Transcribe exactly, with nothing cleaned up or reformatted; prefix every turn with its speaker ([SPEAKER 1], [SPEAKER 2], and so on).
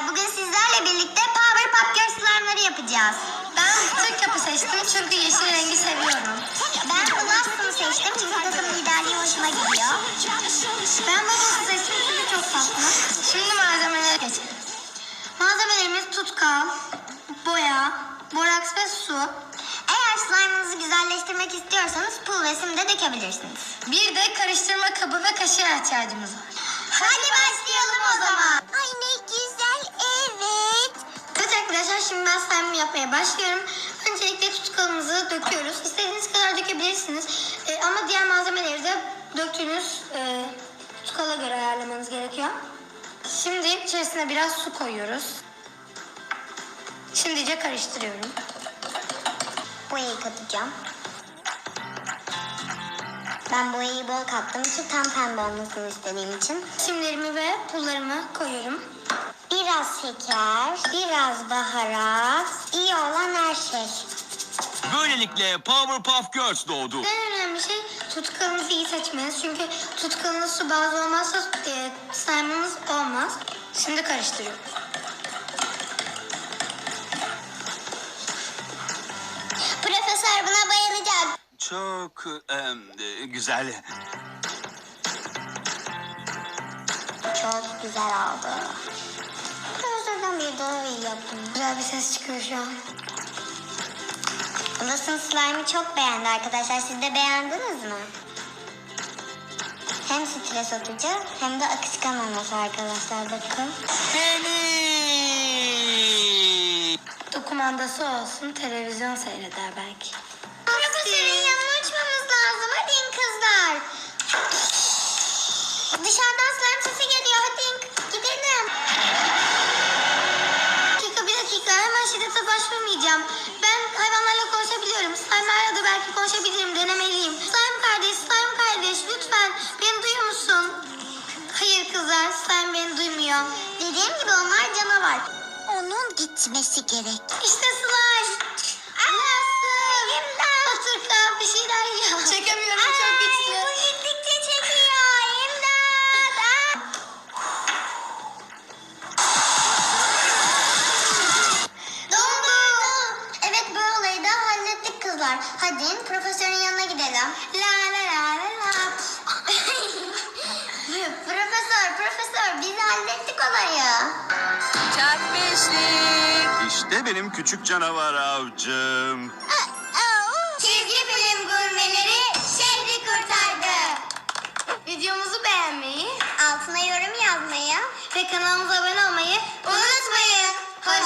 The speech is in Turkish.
[SPEAKER 1] Bugün sizlerle birlikte Powerpuff Girls slime'ları yapacağız.
[SPEAKER 2] Ben Türk yapı seçtim çünkü yeşil rengi seviyorum.
[SPEAKER 1] Ben Blossom seçtim çünkü takım liderliği hoşuma gidiyor.
[SPEAKER 2] Ben Bubbles seçtim çünkü çok tatlı. Şimdi malzemelere geçelim. Malzemelerimiz tutkal, boya, boraks ve su.
[SPEAKER 1] Eğer slime'ınızı güzelleştirmek istiyorsanız pul ve sim de dökebilirsiniz.
[SPEAKER 2] Bir de karıştırma kabı ve kaşığa ihtiyacımız var.
[SPEAKER 1] Hadi başlayalım o zaman. Ay ne güzel, evet.
[SPEAKER 2] Evet arkadaşlar, şimdi ben slime yapmaya başlıyorum. Öncelikle tutkalımızı döküyoruz. İstediğiniz kadar dökebilirsiniz. Ee, ama diğer malzemeleri de döktüğünüz e, tutkala göre ayarlamanız gerekiyor. Şimdi içerisine biraz su koyuyoruz. Şimdice karıştırıyorum.
[SPEAKER 1] Boyayı katacağım. Ben boyayı bol kattım için tam pembe olmasını istediğim için.
[SPEAKER 2] Simlerimi ve pullarımı koyuyorum.
[SPEAKER 1] Biraz şeker, biraz baharat, iyi olan her şey.
[SPEAKER 3] Böylelikle Powerpuff Girls doğdu.
[SPEAKER 2] En önemli şey tutkalınızı iyi seçmeniz. Çünkü tutkalınız su bazlı olmazsa e, slime'ınız olmaz. Şimdi karıştırıyorum.
[SPEAKER 1] Profesör buna bayılacak.
[SPEAKER 3] Çok em, e, güzel.
[SPEAKER 1] Çok güzel oldu. Profesörden bir daha iyi yaptım.
[SPEAKER 2] Güzel bir ses çıkıyor şu an.
[SPEAKER 1] Blossom slime'ı çok beğendi arkadaşlar. Siz de beğendiniz mi? Hem stres atıcı hem de akışkan olması arkadaşlar. Bakın.
[SPEAKER 3] Beni.
[SPEAKER 2] Dokumandası olsun, televizyon seyreder belki.
[SPEAKER 1] Profesörün yanına uçmamız lazım. Hadi in kızlar. Dışarıdan slime sesi geliyor. Hadi in, gidelim.
[SPEAKER 2] Bir dakika, bir dakika. Hemen şiddete başvurmayacağım. Ben hayvanlarla konuşabiliyorum. Slime'larla da belki konuşabilirim. Denemeliyim. Slime kardeş, slime kardeş. Lütfen beni duyuyor musun? Hayır kızlar, slime beni duymuyor.
[SPEAKER 1] Dediğim gibi onlar canavar. Onun gitmesi gerek.
[SPEAKER 2] İşte slime. Anlasın.
[SPEAKER 1] İmdat.
[SPEAKER 2] Otur kal, bir şeyler yap. Çekemiyorum, çok
[SPEAKER 1] Ay,
[SPEAKER 2] güçlü.
[SPEAKER 1] bu gittikçe çekiyor. İmdat. Aa. Dondu. Evet, bu olayı da hallettik kızlar. Hadi in, profesörün yanına gidelim.
[SPEAKER 2] La la la la la.
[SPEAKER 1] Profesör, profesör biz hallettik olayı.
[SPEAKER 4] Çak beşlik.
[SPEAKER 3] İşte benim küçük canavar avcım.
[SPEAKER 1] Çizgi film gurmeleri şehri kurtardı.
[SPEAKER 2] Videomuzu beğenmeyi
[SPEAKER 1] Altına yorum yazmayı
[SPEAKER 2] ve kanalımıza abone olmayı